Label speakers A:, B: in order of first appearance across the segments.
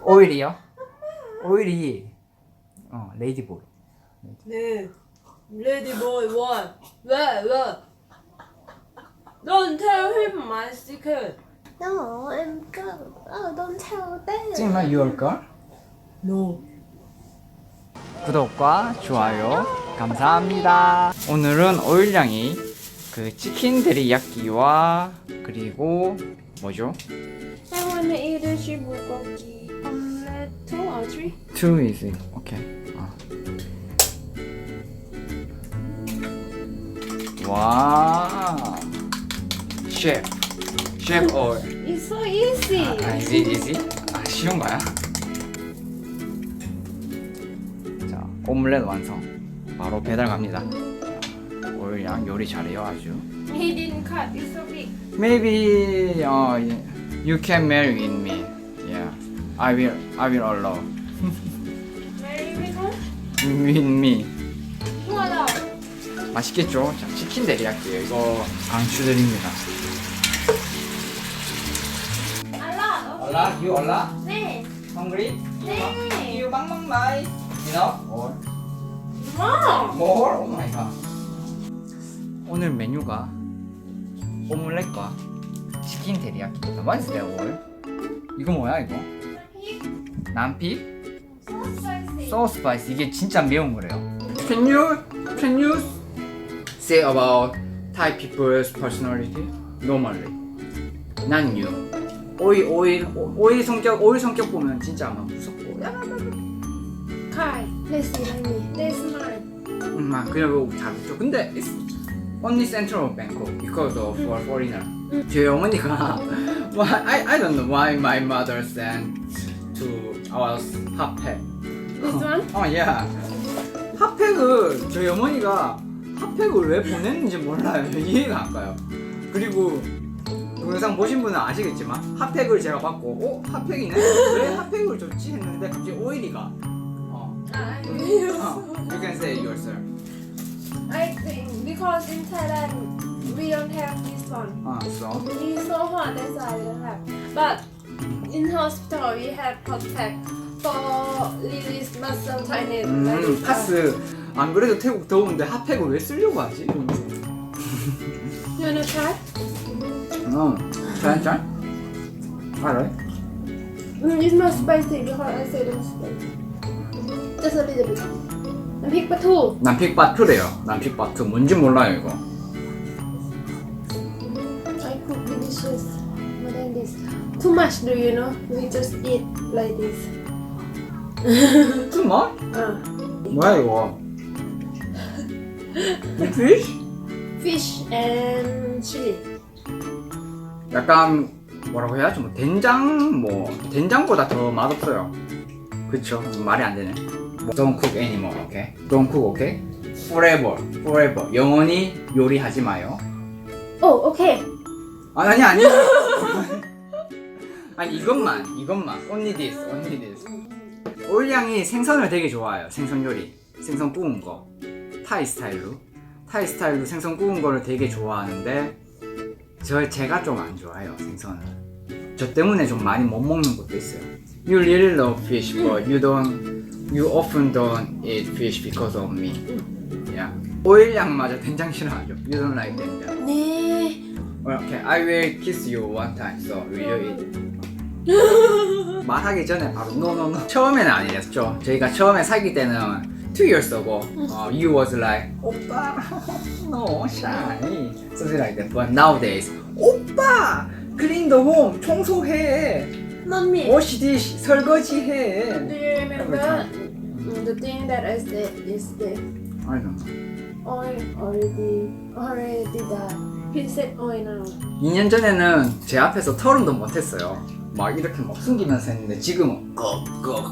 A: 오일이요? 오일이 레이디보이.
B: 네. 레디보이 원. 왜? Don't tell him my secret.
C: No, em girl. Oh, don't tell them.
A: 정말 your girl?
B: No.
A: 구독과 좋아요 감사합니다. 오늘은 오일양이 그 치킨 데리야끼와 그리고 뭐죠?
C: I wanna eat a shrimp bulgogi omelette 2 or 3.
A: Two is it? 오케이. 와. 셰프 오일.
C: It's so easy.
A: easy? 쉬운 거야? 자, 오믈렛 완성. 바로 배달 갑니다. 오일양 요리 잘해요 아주.
C: He didn't cut. It's so big.
A: Maybe you can marry with me. Yeah, I will allow
C: Very big one.
A: with me.
C: Wow.
A: 맛있겠죠? 자, 치킨 데리야끼예요. 이거 강추드립니다.
C: Alot.
A: You 올라?
C: 네.
A: Hungry?
C: 네.
A: You mang mai. Enough? Or
C: Mom.
A: more? Oh my god. 오늘 메뉴가 오믈렛과 치킨 데리야끼입니다. What is that all? 이거 뭐야 이거? 남픽?
C: So spicy.
A: So spicy. 이게 진짜 매운 거래요. Can you say about Thai people's personality? Normally. 난 you. 오일 성격 보면 진짜 아마 무섭고.
C: Kai. Let's see like me. That's mine.
A: 그냥 잘했죠. 근데 it's only central of Bangkok because of for foreigner. 제 어머니가 I don't know why my mother sent to our 핫팩.
C: This one?
A: yeah. 핫팩을 저희 어머니가 핫팩을 왜 보냈는지 몰라요. 이해가 안 가요. 그리고 동영상 보신 분은 아시겠지만 핫팩을 제가 받고 핫팩이네? 왜 핫팩을 줬지 했는데 갑자기 오일이가 You can say yourself.
C: I think because in Thailand we don't have this one.
A: So
C: It's so hot, that's why we don't have. But in hospital we have protect for release muscle tightness. like this.
A: 파스 안 그래도 태국 더운데 핫팩을 왜 쓰려고 하지?
C: You wanna try?
A: 짠? 알아요?
C: It's not spicy because I say don't spicy. Just a little bit. And pick two.
A: 남픽바투래요. 남픽바투 뭔지 몰라요 이거.
C: I cook delicious more than this. Too much, do you know? We just eat like this.
A: 뭐? 뭐야 이거? fish?
C: Fish and chili.
A: 약간 뭐라고 해야지? 된장보다 더 맛없어요. 그쵸? 말이 안 되네. Don't cook anymore, okay? Don't cook, okay? Forever. 영원히 요리하지 마요.
C: Oh, okay.
A: 아니. 아니 이것만. Only this. 오일양이 생선을 되게 좋아해요. 생선 요리. 생선 구운 거. 타이 스타일로 생선 구운 거를 되게 좋아하는데 제가 좀 안 좋아해요, 생선을. 저 때문에 좀 많이 못 먹는 것도 있어요. You really love fish, but you often don't eat fish because of me. Yeah. 오일양마저 된장 싫어하죠. You don't like 된장.
C: 네.
A: Okay, I will kiss you one time. So will you eat? 말하기 전에 바로 no. 처음에는 아니었죠. 저희가 처음에 사귈 때는 2 years ago, you was like 오빠, no shy, something like that. But nowadays, 오빠, clean the home, 청소해.
C: Not me.
A: wash dish, 설거지해.
C: Do you remember the thing that I said yesterday?
A: I don't know.
C: Oil already died. Princess oil now.
A: 2년 전에는 제 앞에서 털음도 못했어요. 막 이렇게 막 숨기면서 했는데 지금은 꺽.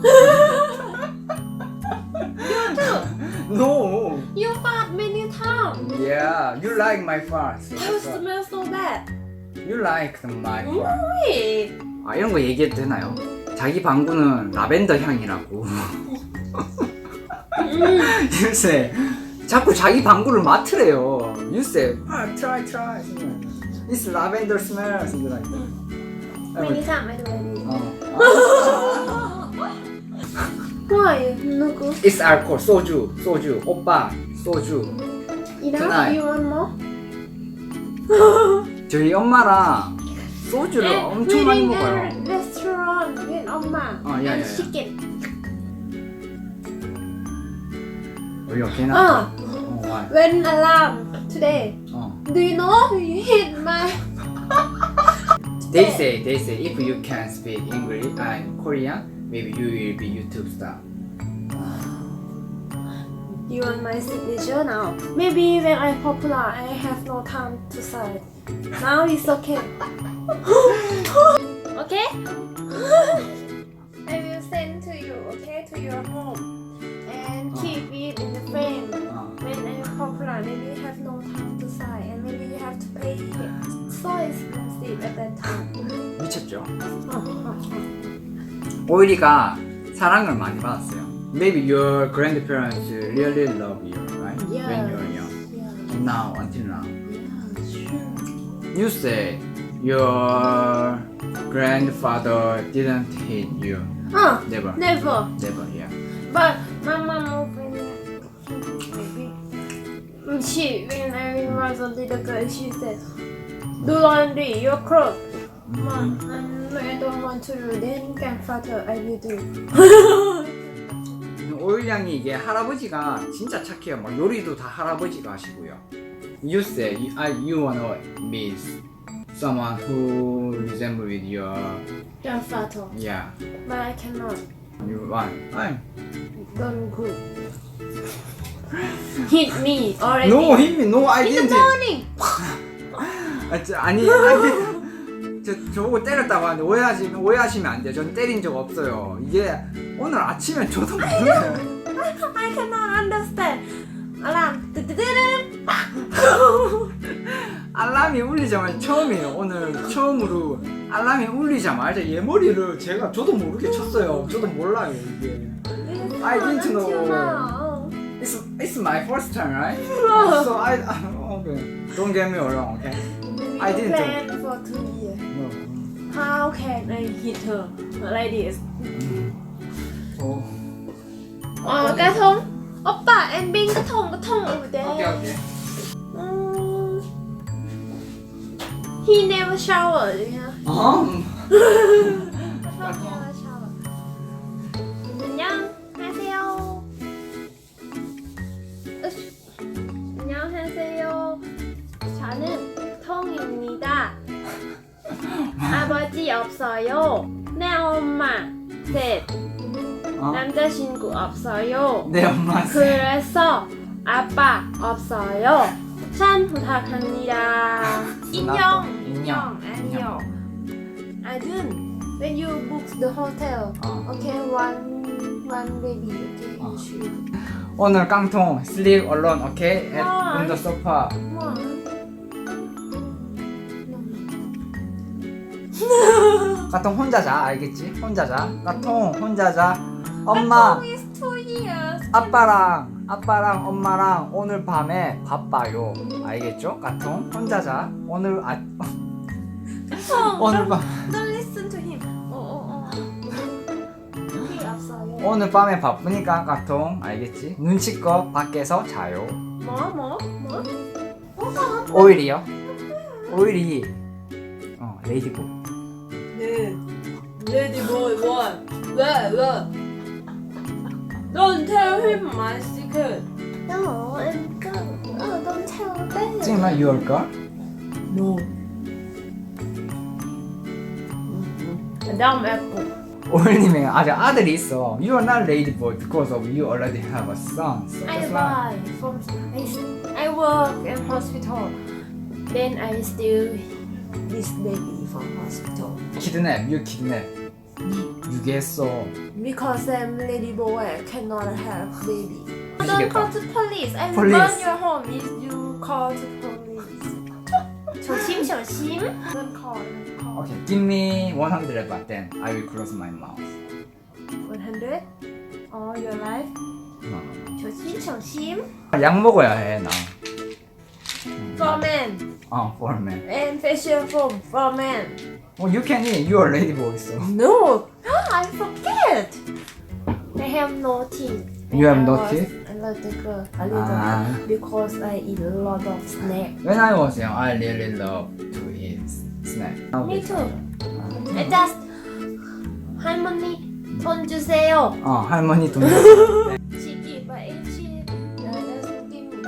C: You too.
A: No.
C: You fart many times.
A: Yeah, you like my farts.
C: You smell so bad.
A: You like my farts.
C: Wait.
A: 이런 거 얘기해도 되나요? 자기 방구는 라벤더 향이라고. 요새 자꾸 자기 방구를 맡으래요. You say, try. It's lavender smell. Something like that.
C: Many times I do like this. Why? No good.
A: It's alcohol. 소주. 오빠. 소주.
C: Enough?
A: Tonight.
C: You want more?
A: 저희 엄마랑 소주를 엄청 많이
C: We're in
A: 먹어요.
C: a restaurant with Oma
A: Oh, yeah,
C: and
A: yeah, yeah.
C: chicken.
A: 우리 오케이나?
C: Ah,
A: why?
C: when alarm today. Do you know you hit my?
A: They say if you can speak English and Korean, maybe you will be YouTube star.
C: You want my signature now? Maybe when I'm popular, I have no time to sign. Now it's okay. Okay? I will send to you, okay, to your home, and keep it in the frame. When I'm popular, maybe you have no time to sign, and maybe you have to pay it. So expensive at that time.
A: 미쳤죠? 오일이가 사랑을 많이 받았어요. Maybe your grandparents really love you, right?
C: Yeah.
A: When you were young.
C: Yeah,
A: Now, until now.
C: yeah, sure.
A: You say your grandfather didn't hit you. Never.
C: Never.
A: Never, yeah.
C: But my mom when when I was a little girl, she said, "Do laundry, your clothes." Mom, I don't want to do. Then grandfather, I will do.
A: 오일 양이 이게 할아버지가 진짜 착해요. 막 요리도 다 할아버지가 하시고요. You say you wanna meet someone who resemble with your
C: Grandfather,
A: yeah.
C: but I cannot.
A: You want?
C: Don't good. Hit me already.
A: No, hit me. No, I
C: In the
A: didn't.
C: morning.
A: 아니 저보고 때렸다고 하는데 오해하시면 안 돼요. 전 때린 적 없어요. 이게 오늘 아침에 저도 모르겠어요.
C: I cannot understand. Alarm.
A: 알람이 울리자마자 처음이에요. 오늘 처음으로 알람이 울리자마자 얘 머리를 저도 모르게 쳤어요. 저도 몰라요 이게. I didn't know. It's my first time, right? So okay. Don't get me wrong, okay? I didn't
C: plan for 2 years.
A: No.
C: How can I hit her like this? Cái thùng. Oppa, em bring cái thùng over there.
A: Okay.
C: He never showered, you know. He never showered. 안녕하세요. 안녕하세요. 저는 통입니다. 아버지 없어요. 내 엄마 셋. 남자친구 없어요.
A: 내 엄마.
C: 그래서 아빠 없어요. 잘 부탁합니다. 인형. 아니요. I didn't. When you book the hotel, okay, one baby, okay, you should.
A: 오늘 깡통 sleep alone, okay? At
C: Why?
A: on the sofa.
C: One.
A: 까통 혼자 자, 알겠지? 혼자 자. 까통 혼자 자. 엄마,
C: Katung is 2 years.
A: 아빠랑 엄마랑 오늘 밤에 바빠요. 알겠죠? 까통 혼자 자. 오늘 오늘 밤
C: Don't listen to him. He 없어요.
A: 오늘 밤에 바쁘니까 까통 알겠지? 눈치껏 밖에서 자요.
C: 뭐?
A: 오일이요? 오일이 레이디보.
B: 네. 레디보이 원. 왜? Don't tell him my secret.
C: No, I'm good. Don't tell them.
A: 지금 나 your girl?
B: No.
C: Dumb apple.
A: 오일님의 아들이 있어. You are not ladyboy because of you already have a son. So
C: I
A: that's why.
C: buy from. I work in hospital. Then I steal this baby from hospital.
A: You kidnap. 유괴했어.
C: Because I'm lady boy, I cannot have baby. Don't
A: 미치겠다.
C: call the police. I will
A: Police.
C: burn your home if you call the police. 조심. Don't call.
A: Okay, give me 100 baht then I will close my mouth.
C: 100? All your life?
A: No.
C: 조심.
A: 약 먹어야 해 나.
C: For men.
A: For men.
C: And facial foam for men.
A: You can eat. You are ladyboy so.
C: No. I forget. I have no teeth.
A: You have
C: When
A: no
C: I was
A: teeth?
C: A little girl, a little
A: Ah.
C: because I eat a lot of snack.
A: When I was young, I really loved to eat snack.
C: Me too. I just 할머니 돈 주세요.
A: 할머니 돈.
C: She give, but if she doesn't give me,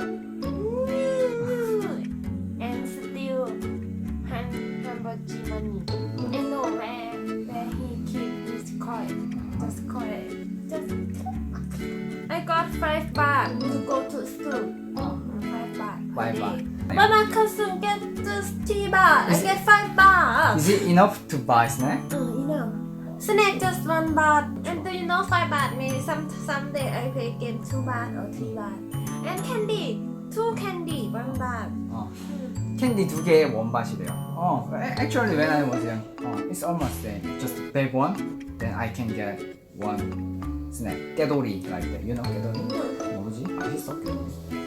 C: and still how much money? I know where he keep his coin. Just coin. Just I got 5 baht to go to school. 5 baht.
A: 5 baht.
C: But my cousin get just 3 baht. I get 5 baht.
A: Is it enough to buy snack?
C: You know. Snack just 1 baht. And do you know 5 baht maybe someday I will get 2 baht or 3 baht. And candy. 2 candy, 1 baht.
A: 캔디 2개에 1바시래요. Actually when I was young, it's almost same. Just bag one, then I can get one snack. 깨돌이 like that. You know 깨돌이? 뭐지? 맛있어? 깨돌이.